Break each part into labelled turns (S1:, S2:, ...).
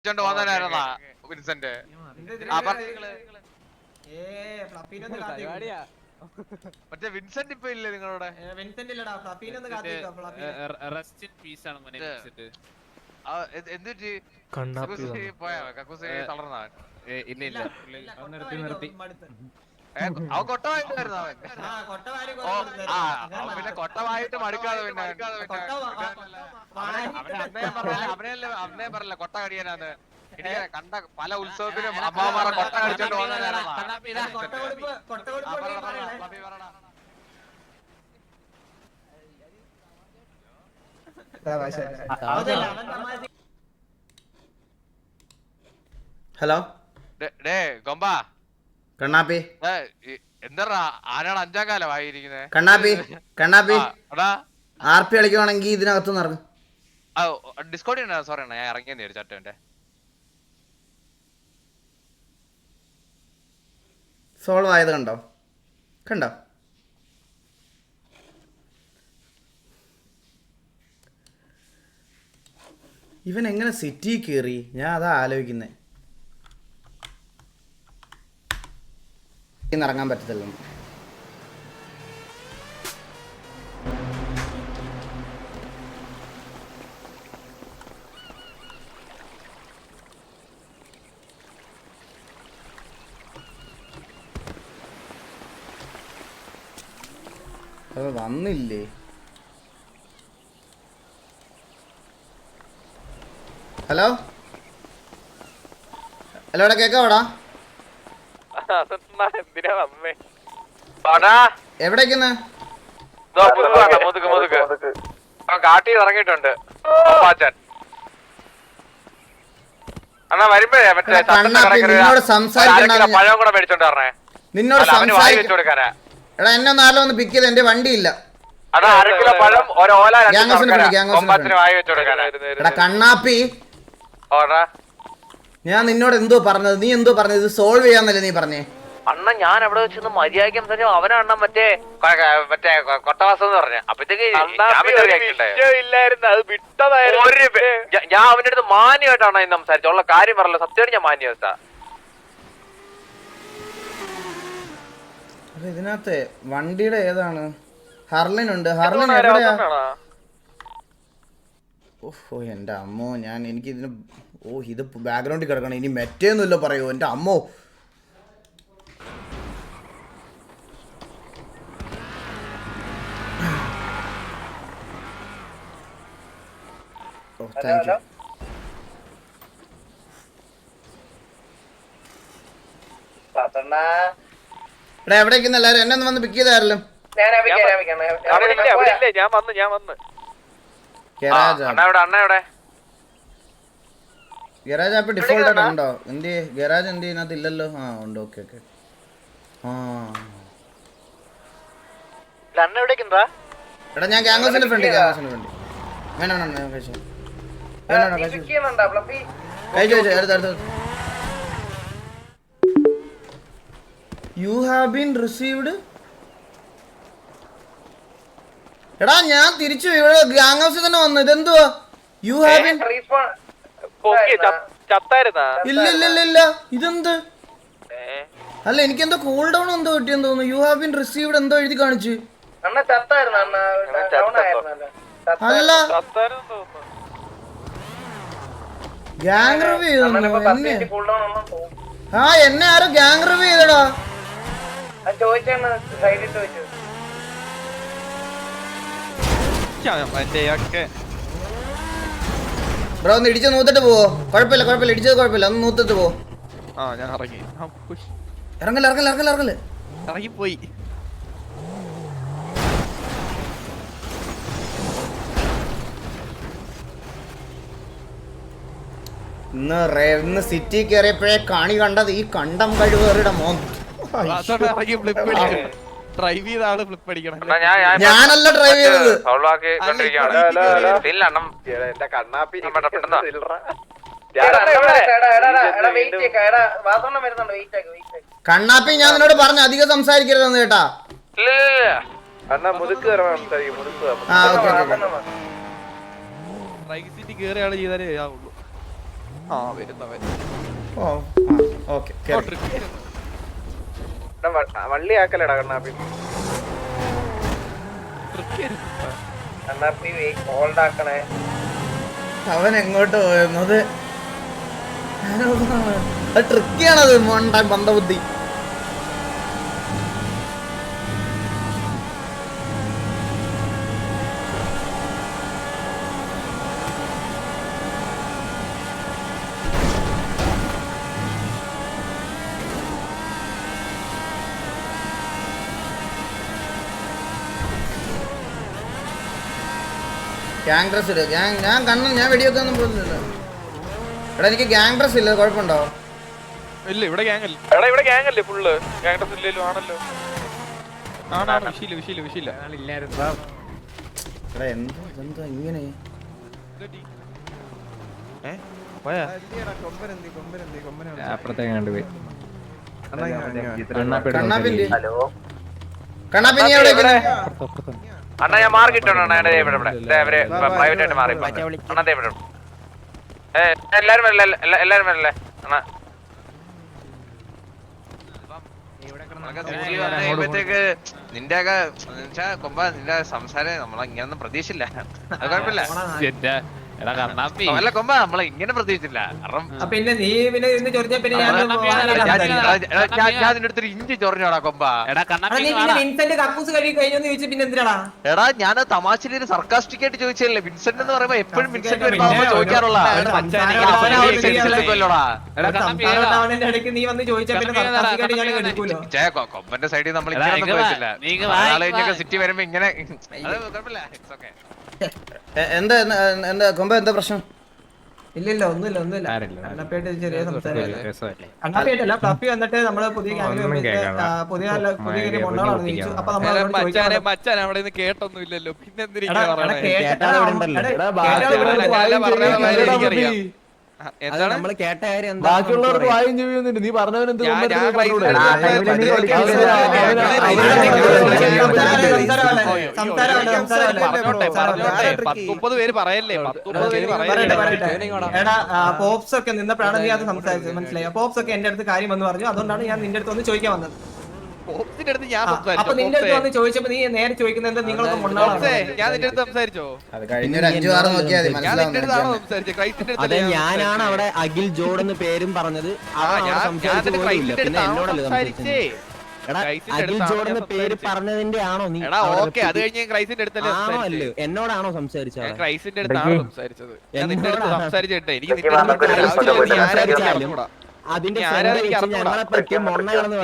S1: Vincent മറ്റേ Vincent ഇപ്പൊ ഇല്ലേ നിങ്ങളുടെ എന്തുപറ്റി പോയാ കക്കൂസി തളർന്നവൻ അവൻ കൊട്ടമായിട്ടായിരുന്നു അവൻ പിന്നെ കൊട്ടമായിട്ട് മടുക്കാതെ പിന്നെ അവനെ പറയല്ല കൊട്ട കടിയാനാന്ന് എനിക്ക് കണ്ട പല ഉത്സവത്തിലും അമ്മാമാരെ കൊട്ട കടിച്ചോണ്ട് പോകുന്ന
S2: ഹലോ
S1: ഡേ ഗൊമ്പ
S2: കണ്ണാപ്പി
S1: എന്താ ആരാണ് 5-ാം കാലം ആയിരിക്കുന്നത്
S2: കണ്ണാപ്പി RP കളിക്കുവാണെങ്കിൽ ഇതിനകത്ത് ഇറങ്ങും
S1: ഡിസ്കൗണ്ട് സോറി ഞാൻ ഇറങ്ങിയെന്ന് ഒരു ചട്ടന്റെ
S2: സോൾവ് ആയത് കണ്ടോ ഇവൻ എങ്ങനെ സിറ്റി കയറി ഞാൻ അതാ ആലോചിക്കുന്നേ ഇറങ്ങാൻ പറ്റത്തില്ല അത് വന്നില്ലേ ഹലോ എവിടെ കേക്കാവടാ എവിടേക്കുന്ന
S1: കാട്ടി ഇറങ്ങിയിട്ടുണ്ട്
S2: നിന്നോട് സംസാരിക്കണ്ട
S1: പഴം കൂടെ മേടിച്ചോണ്ട് പറഞ്ഞേ
S2: നിന്നോട്
S1: കൊടുക്കാനാ
S2: എടാ എന്നെ നാളെ ഒന്ന് പിക്ക് ചെയ്ത് എന്റെ വണ്ടിയില്ല എടാ കണ്ണാപ്പി ഞാൻ നിന്നോട് എന്തോ പറഞ്ഞത് നീ എന്തോ പറഞ്ഞത് ഇത് സോൾവ് ചെയ്യാന്നല്ലേ നീ പറഞ്ഞേ
S1: അണ്ണ ഞാൻ അവിടെ വെച്ചൊന്ന് മര്യാദയ്ക്ക് സംസാരിച്ചു അവനണ്ണ മറ്റേ കൊട്ടവാസം എന്ന് പറഞ്ഞ അപ്പഴത്തേക്ക് ഞാൻ അവന്റെ അടുത്ത് മാന്യമായിട്ടാണ് ഇന്ന് സംസാരിച്ചത് ഉള്ള കാര്യം പറഞ്ഞല്ലോ സത്യമായിട്ട് ഞാൻ മാന്യവസ്ഥ
S2: ഇതിനകത്ത് വണ്ടിയുടെ ഏതാണ് ഹർലിൻ ഉണ്ട് ഹർലിൻ എവിടെയാ ഓഹോ എന്റെ അമ്മോ എനിക്ക് ഇതിന് ഇത് ബാക്ക്ഗ്രൗണ്ടിൽ കിടക്കണം ഇനി മെറ്റേന്നല്ലോ പറയൂ എന്റെ അമ്മോ താങ്ക് യു എടാ എവിടേക്കുന്ന എല്ലാരും എന്നെ ഒന്ന് വന്ന് പിക്ക് ചെയ്താരല്ലോ ഗരാജ് ആപ്പ് ഡിഫോൾട്ട് ആയിട്ട് ഉണ്ടോ എന്ത് ഗരാജ് എന്ത് ഇതിനകത്ത് ഇല്ലല്ലോ ഉണ്ട് ഓക്കെ എടാ ഞാൻ ഗ്യാങ്സിന്റെ ഫ്രണ്ട് വേണം കഴിച്ചു അടുത്ത യു ഹാവ് ബീൻ റിസീവ്ഡ് എടാ ഞാൻ തിരിച്ചു ഇവിടെ ഗ്യാങ് ഹൗസിൽ തന്നെ വന്നു ഇതെന്തുവാ യു ഹാവ് ബീൻ ഇല്ല ഇതെന്ത് അല്ല എനിക്കെന്തോ കൂൾ ഡൗൺ എന്തോ കിട്ടിയെന്ന് തോന്നുന്നു യു ഹാവ് ബീൻ റിസീവ്ഡ് എന്തോ എഴുതി കാണിച്ചു അല്ല ഗ്യാങ് റിവ്യൂ എന്നെ ആരോ ഗ്യാങ് റിവ്യൂ ചെയ്തടാ ബ്രോ ഒന്ന് ഇടിച്ച് നൂത്തിട്ട് പോവോ കുഴപ്പമില്ല ഇടിച്ചത് കുഴപ്പമില്ല ഒന്ന് നൂത്തിട്ട് പോ ഇറങ്ങല്
S3: ഇറങ്ങിപ്പോയി
S2: ഇന്ന് സിറ്റി കയറിയപ്പോഴേ കണി കണ്ടത് ഈ കണ്ടം കഴിവേറിയുടെ മോൻ
S3: ഡ്രൈവ് ചെയ്ത ആള് ഫ്ലിപ്പ് അടിക്കണം
S2: ഞാനല്ല ഡ്രൈവ് ചെയ്തത് കണ്ണാപ്പി ഞാൻ നിന്നോട് പറഞ്ഞു അധികം സംസാരിക്കരുതെന്ന് കേട്ടാ
S3: റൈറ്റ് സീറ്റ് കേറിയ ആള് ചെയ്താലേ ആവുള്ളൂ ആ വരുന്ന
S2: ഓ ഓക്കെ
S4: വള്ളി ആക്കലടാ കണ്ണാപ്പി. കണ്ണാപ്പി ഹോൾഡ് ആക്കണേ.
S2: അവൻ എങ്ങോട്ട് പോയെന്നത് അത് ട്രിക്കിയാണത് മോണ്ടാൻ പന്തബുദ്ധി. ഗ്യാങ് ഡ്രസ് ഇട്. ഞാൻ കണ്ണു ഞാൻ വെടിവെക്കൊന്നും പോകുന്നില്ല. എടാ എനിക്ക് ഗ്യാങ് ഡ്രസ് ഇല്ല, കുഴപ്പമുണ്ടോ?
S3: ഇല്ല ഇവിടെ ഗ്യാങ് അല്ലേ. എടാ ഇവിടെ ഗ്യാങ് അല്ലേ ഫുള്ള്. ഗ്യാങ് ഡ്രസ് ഇല്ലല്ലോ. ആണല്ലോ. ആണാണ്. വിഷയില്ല.
S2: എടാ എന്താ ഇങ്ങനെ
S3: പോയാ
S5: അപ്പുറത്തേക്കാണ്ട് പോയി.
S2: കണ്ണാപ്പിന്റെ
S4: ഹലോ
S2: കണ്ണാപ്പി നീ എവിടെ
S1: അണ്ണാ ഞാൻ മാറി കിട്ടണം. ഇവിടെ പ്രൈവറ്റ് ആയിട്ട് മാറി അണ്ണാ ഇവിടെ എല്ലാരും വരല്ലേ അണ്ണാ. കഴിയുമ്പോഴത്തേക്ക് നിന്റെ ഒക്കെ കൊമ്പ നിന്റെ സംസാരം നമ്മളിങ്ങനൊന്നും പ്രതീക്ഷിച്ചില്ല. അത് കുഴപ്പമില്ല. അല്ല കൊമ്പ നമ്മളെ ഇങ്ങനെ പ്രതീക്ഷിച്ചില്ല. കാരണം
S6: പിന്നെ നീ പിന്നെ ഇന്ന് ചൊറിഞ്ഞ പിന്നെ
S1: ഞാൻ നിന്റെ അടുത്തൊരു ഇഞ്ചി ചൊറിഞ്ഞോടാ കൊമ്പ.
S6: വിൻസെന്റ് കക്കൂസ് കഴുകി കഴിഞ്ഞെന്ന് ചോദിച്ചു പിന്നെ എന്തിനാടാ?
S1: എടാ ഞാൻ തമാശയിൽ ഒരു സർക്കാസ്റ്റിക് ആയിട്ട് ചോദിച്ചല്ലേ. വിൻസെന്റ് എന്ന് പറയുമ്പോ എപ്പോഴും വിൻസെന്റ് വരുമ്പോ ചോദിക്കാറുള്ള
S6: അവന്റെ ഇടയ്ക്ക് നീ വന്ന് ചോദിച്ചാ പിന്നെ സർക്കാസ്റ്റിക്കായിട്ട് ഞാൻ എടുക്കൂലോ.
S1: കൊമ്പന്റെ സൈഡിൽ നമ്മൾ ഇങ്ങനെ ചോദിച്ചില്ല. ആളെ സിറ്റി വരുമ്പോ ഇങ്ങനെ കുഴപ്പമില്ല.
S2: എന്താ കൊമ്പ എന്താ പ്രശ്നം?
S6: ഇല്ലില്ല ഒന്നുമില്ല. കണ്ണാപ്പിയായിട്ട് ചെറിയ സംസാരം. കണ്ണാപ്പിയായിട്ടല്ല ഫ്ലഫി വന്നിട്ട് നമ്മള് പുതിയ പുതിയ കൊണ്ടാണ് ചോദിച്ചു. അപ്പൊ നമ്മൾ
S3: മച്ചാൻ അവിടെ നിന്ന് കേട്ടൊന്നും ഇല്ലല്ലോ. പിന്നെ എന്താണ്
S5: നമ്മള് കേട്ട കാര്യം
S7: ബാക്കിയുള്ളവർക്ക് വായും ചെയ്യുന്നുണ്ട്. നീ പറഞ്ഞവനെന്ത്
S3: പേര് പറയല്ലേ. 10-30 പേര് പറയല്ലേ.
S6: എടാ പോപ്സ് ഒക്കെ നിന്നപ്പോഴാണ് നീ അത് സംസാരിച്ചത്, മനസ്സിലായി? പോപ്സ് ഒക്കെ എന്റെ അടുത്ത് കാര്യം എന്ന് പറഞ്ഞു. അതുകൊണ്ടാണ് ഞാൻ നിന്റെ അടുത്ത് വന്ന് ചോദിക്കാൻ വന്നത്. അപ്പൊ നിന്റെ അടുത്ത് വന്ന് ചോദിച്ചപ്പോ നീ നേരെ ചോദിക്കുന്നത് എന്താ? നിങ്ങളൊക്കെ
S3: ഞാൻ നിന്റെ അടുത്ത് സംസാരിച്ചോ?
S2: അത് കഴിഞ്ഞൊരു 5-6 നോക്കിയാൽ
S5: അതെ, ഞാനാണ് അവിടെ അഖിൽ ജോഡ് എന്ന് പേരും പറഞ്ഞത്. പിന്നെ എന്നോടല്ലേ സംസാരിച്ചേ? അഖിൽ ജോഡ് എന്ന് പേര് പറഞ്ഞതിന്റെ ആണോ നീ?
S3: അത് കഴിഞ്ഞ് ക്രൈസിന്റെ അടുത്തല്ലേ
S5: അല്ലേ എന്നോടാണോ സംസാരിച്ചത്?
S3: ക്രൈസിന്റെ അടുത്താണ് സംസാരിച്ചത്. ഞാൻ നിന്റെ അടുത്ത് സംസാരിച്ചിട്ടേ എനിക്ക്
S5: അതിന്റെ ഞങ്ങളെ പറ്റി മൊണ്ണയാണെന്ന്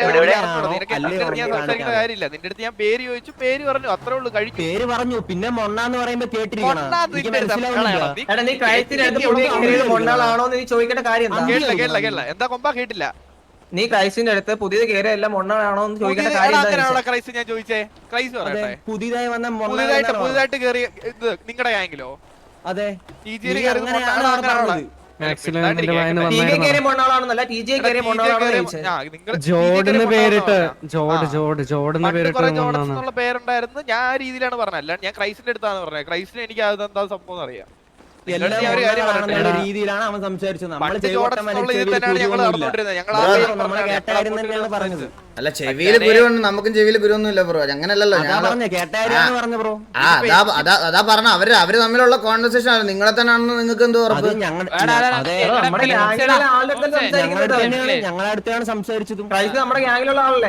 S3: കാര്യമില്ല. നിന്റെ അടുത്ത് ഞാൻ പേര് ചോദിച്ചു, പേര് പറഞ്ഞു, അത്രേ ഉള്ളൂ.
S5: പേര് പറഞ്ഞു. പിന്നെ മൊണ്ണാന്ന് പറയുമ്പോ കേട്ടിരിക്കണം.
S3: കേട്ടില്ല. എന്താ കൊമ്പ കേട്ടില്ല?
S6: നീ ക്രൈസിന്റെ അടുത്ത് പുതിയത് കയറിയ എല്ലാം മൊണ്ണാണോ എന്ന് ചോദിക്കേണ്ട കാര്യം.
S3: ക്രൈസ് ഞാൻ ചോദിച്ചേ. ക്രൈസ് പറയട്ടെ.
S5: പുതിയതായി വന്ന
S3: പുതിയതായിട്ട് കയറിയ ഇത് നിങ്ങളുടെ ഗാംഗിലോ?
S5: അതെ,
S3: ജോർഡിന് പേരിട്ട് പേരുണ്ടായിരുന്നു. ഞാൻ ആ രീതിയിലാണ് പറഞ്ഞത്. അല്ല ഞാൻ ക്രൈസിന്റെ അടുത്താണ് പറഞ്ഞത്. ക്രൈസിന് എനിക്ക് അതെന്താ സംഭവം അറിയാം.
S5: രീതിയിലാണ് അവൻ സംസാരിച്ചത്.
S2: അല്ല ചെവിയില് ഗുരുവുണ്ട്, നമുക്കും ചെവിയില് ഗുരുവൊന്നും ഇല്ല ബ്രോ. അങ്ങനല്ലല്ലോ അതാ പറഞ്ഞ അവര് തമ്മിലുള്ള കോൺവെർസേഷൻ ആണ്. നിങ്ങളെ തന്നെ ആണെന്ന് നിങ്ങൾക്ക് എന്തോ ഉറപ്പ്?
S5: ഞങ്ങളെ അടുത്താണ് സംസാരിച്ചതും.
S6: നമ്മുടെ ഗ്യാങ്ങിലുള്ള ആളല്ലേ?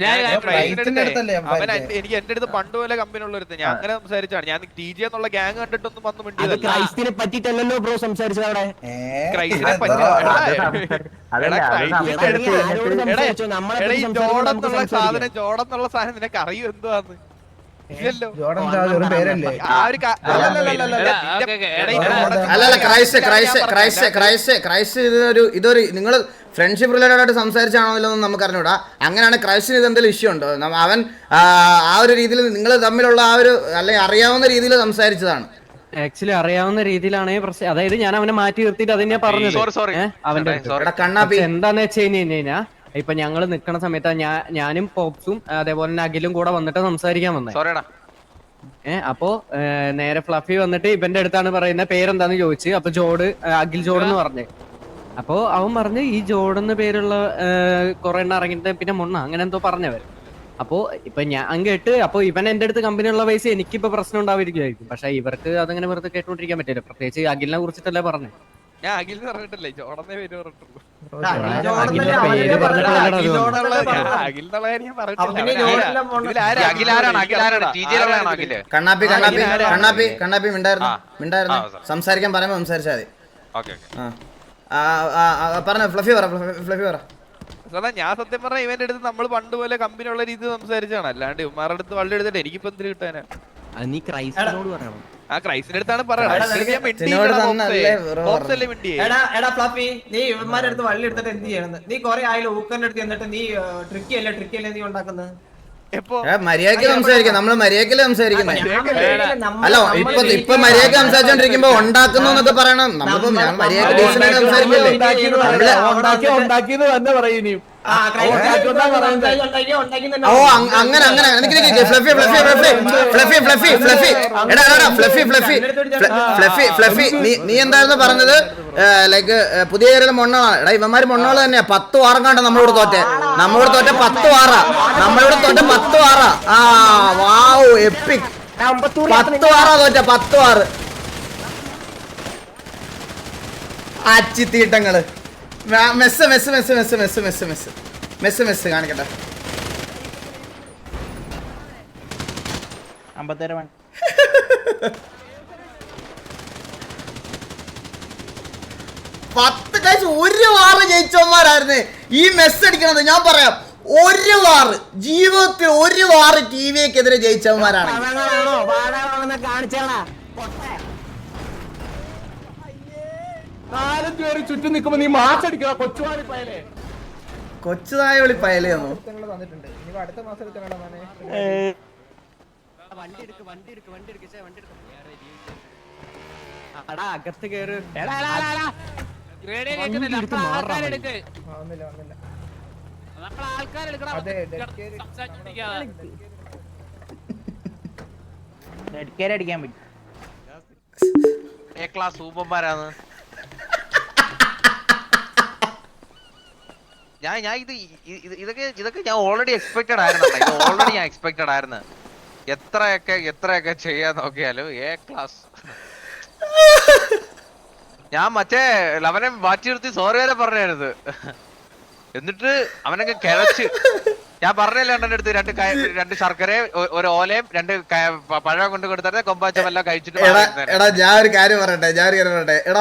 S3: എനിക്ക് എന്റെ അടുത്ത് പണ്ട് പോലെ കമ്പനി ഉള്ള ഒരുത്ത് ഞാൻ അങ്ങനെ സംസാരിച്ചാണ്. ഞാൻ ടി ജി എന്നുള്ള ഗ്യാങ് കണ്ടിട്ടൊന്നും വന്ന്
S5: ക്രൈസ്റ്റിനെ പറ്റിട്ടല്ലോ ബ്രോ സംസാരിച്ചത് അവിടെ.
S3: ക്രൈസ്റ്റിനെ പറ്റി ജോടെന്നുള്ള സാധനം നിനക്ക് അറിയൂ എന്തുവാന്ന്?
S2: അല്ലല്ല ക്രൈസ്റ്റ് ഇതൊരു നിങ്ങള് ഫ്രണ്ട്ഷിപ്പ് റിലേറ്റഡ് ആയിട്ട് സംസാരിച്ചാണോ നമുക്ക് അറിഞ്ഞൂടാ. അങ്ങനെയാണ് ക്രൈസ്റ്റിന് ഇത് എന്തെങ്കിലും ഇഷ്യൂ ഉണ്ടോ? അവൻ ആ ഒരു രീതിയിൽ നിങ്ങൾ തമ്മിലുള്ള ആ ഒരു അല്ലെങ്കിൽ അറിയാവുന്ന രീതിയിൽ സംസാരിച്ചതാണ്.
S7: ആക്ച്വലി അറിയാവുന്ന രീതിയിലാണ് പ്രശ്നം. അതായത് ഞാൻ അവനെ മാറ്റി നിർത്തിയിട്ട് അതിനെ പറഞ്ഞത് അവന്റെ എന്താന്ന് വെച്ച് കഴിഞ്ഞാ ഇപ്പൊ ഞങ്ങള് നിക്കണ സമയത്ത് ഞാനും പോപ്സും അതേപോലെ തന്നെ അഖിലും കൂടെ വന്നിട്ട് സംസാരിക്കാൻ വന്നേ. അപ്പോ നേരെ ഫ്ലഫി വന്നിട്ട് ഇവന്റെ അടുത്താണ് പറയുന്നത് പേരെന്താന്ന് ചോദിച്ചു. അപ്പൊ അഖിൽ ജോഡ് എന്ന് പറഞ്ഞു. അപ്പൊ അവൻ പറഞ്ഞു ഈ ജോഡ് എന്ന് പേരുള്ള കുറെ എണ്ണം ഇറങ്ങിയിട്ട് പിന്നെ മൊണ്ണ അങ്ങനെ എന്തോ പറഞ്ഞവർ. അപ്പോ ഇപ്പൊ ഞാൻ കേട്ട് അപ്പൊ ഇവൻ എന്റെ അടുത്ത് കമ്പനിയുള്ള പൈസ എനിക്കിപ്പോ പ്രശ്നം ഉണ്ടാവിരിക്കുമായിരിക്കും. പക്ഷെ ഇവർക്ക് അതങ്ങനെ വെറുതെ കേട്ടോണ്ടിരിക്കാൻ പറ്റില്ല. പ്രത്യേകിച്ച് അഖിലിനെ കുറിച്ചിട്ടല്ലേ പറഞ്ഞു.
S3: ഞാൻ അഖിൽ പറഞ്ഞിട്ടില്ലേ, ജോടന്നേ പേര് പറഞ്ഞിട്ടുള്ളൂ.
S2: കണ്ണാപ്പി മിണ്ടായിരുന്നു. സംസാരിക്കാൻ പറയുമ്പോ സംസാരിച്ചാൽ മതി. പറഞ്ഞ ഫ്ലഫി പറ.
S3: ഞാൻ സത്യം പറഞ്ഞ ഇവന്റെ അടുത്ത് നമ്മൾ പണ്ട് പോലെ കമ്പനി ഉള്ള രീതി സംസാരിച്ചാണ്. അല്ലാണ്ട് ഇവന്മാരുടെ അടുത്ത് വള്ളി എടുത്തിട്ട് എനിക്കിപ്പോ എന്തിനു കിട്ടാനാ?
S5: നീ ക്രൈസ്റ്റിനോട് പറയണം.
S3: ആ ക്രൈസ്റ്റിന്റെ അടുത്താണ് പറയണത്.
S6: നീ ഇവന്മാരുടെ അടുത്ത് വള്ളി എടുത്തിട്ട് എന്ത് ചെയ്യണം? നീ കൊറേ ആയാലും ഊക്കറിന്റെ അടുത്ത് എന്നിട്ട് നീ ട്രിക്കി അല്ലേ നീ ഉണ്ടാക്കുന്നത്?
S2: മര്യാദക്ക് സംസാരിക്കാം. നമ്മള് മര്യാദക്കല്ലേ സംസാരിക്കുന്നത്. അല്ല ഇപ്പൊ മര്യാദക്ക് സംസാരിച്ചോണ്ടിരിക്കുമ്പോ ഉണ്ടാക്കുന്നു എന്നൊക്കെ പറയണം. നമ്മളിപ്പോ മര്യാദക്ക് ഡീസന്റ് സംസാരിക്കില്ലേ? ഓ അങ്ങനെ നീ എന്തായിരുന്നു പറഞ്ഞത്? ലൈക്ക് പുതിയ കേരള മൊണ്ണാണ്. എടാ ഇവന്മാര് മൊണ്ണോള് തന്നെയാ. 10 വാറും കണ്ട നമ്മളോട് തോറ്റെ 10 വാറാ. നമ്മളോട് തോറ്റ 10 വാറാ. ആ വാവ് എപ്പിക്. 10 വാറാ തോറ്റ 10 വാറ്. അച്ചിത്തീട്ടങ്ങള് മെസ്സ് കാണിക്കട്ടെ. 10 കാഴ്ച 1 വാറ് ജയിച്ചവന്മാരായിരുന്നു ഈ മെസ്സ് അടിക്കണത്. ഞാൻ പറയാം, 1 വാറ് ജീവിതത്തിൽ 1 വാറ് ടിവിക്കെതിരെ ജയിച്ചവന്മാരാണ്.
S5: ചുറ്റും നിൽക്കുമ്പോ നീ മാച്ചടിക്കണ
S2: കൊച്ചുതായ വിളി പയലെയാണോ?
S7: അകത്ത് കേറ്.
S4: അടിക്കാൻ പറ്റും.
S1: എ ക്ലാസ് സൂപ്പർമാരാണ്. ഇതൊക്കെ ഞാൻ ഓൾറെഡി എക്സ്പെക്ടഡ് ആയിരുന്നു. എത്രയൊക്കെ ചെയ്യാൻ നോക്കിയാലും എ ക്ലാസ്. ഞാൻ മറ്റേ അവനെ മാറ്റി നിർത്തി സോറി വരെ പറഞ്ഞായിരുന്നു. എന്നിട്ട് അവനൊക്കെ കിഴച്ച്. ഞാൻ പറഞ്ഞില്ല എന്റെ അടുത്ത് 2 ശർക്കരയും 1 ഓലയും 2 പഴം കൊണ്ട് കൊടുത്തേ കൊമ്പാച്ചമെല്ലാം കഴിച്ചിട്ട്.
S2: എടാ ഞാൻ ഒരു കാര്യം പറയട്ടെ. എടാ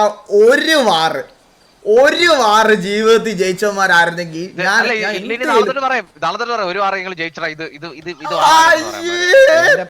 S2: 1 വാറ് ജീവിതത്തിൽ ജയിച്ചവന്മാരായിരുന്നെങ്കിൽ
S1: നാളെ പറയാം 1 വാറെങ്കിലും ജയിച്ചടാ. ഇത്